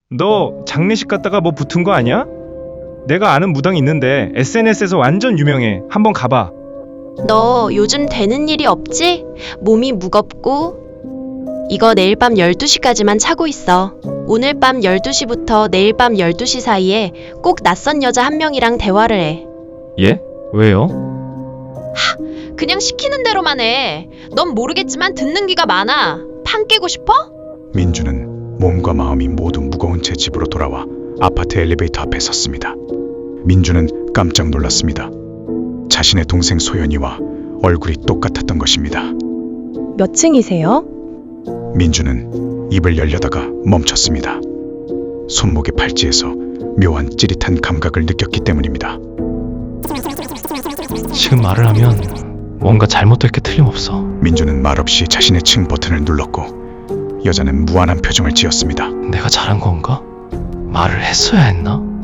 너 장례식 갔다가 뭐 붙은 거 아니야? 내가 아는 무당 있는데 SNS에서 완전 유명해. 한번 가봐. 너 요즘 되는 일이 없지? 몸이 무겁고. 이거 내일 밤 12시까지만 차고 있어. 오늘 밤 12시부터 내일 밤 12시 사이에 꼭 낯선 여자 한 명이랑 대화를 해. 예? 왜요? 그냥 시키는 대로만 해. 넌 모르겠지만 듣는 귀가 많아. 판 깨고 싶어? 민주는 몸과 마음이 모두 무거운 채 집으로 돌아와 아파트 엘리베이터 앞에 섰습니다. 민주는 깜짝 놀랐습니다. 자신의 동생 소연이와 얼굴이 똑같았던 것입니다. 몇 층이세요? 민주는 입을 열려다가 멈췄습니다. 손목의 팔찌에서 묘한 찌릿한 감각을 느꼈기 때문입니다. 지금 말을 하면 뭔가 잘못될 게 틀림없어. 민주는 말없이 자신의 층 버튼을 눌렀고 여자는 무한한 표정을 지었습니다. 내가 잘한 건가? 말을 했어야 했나?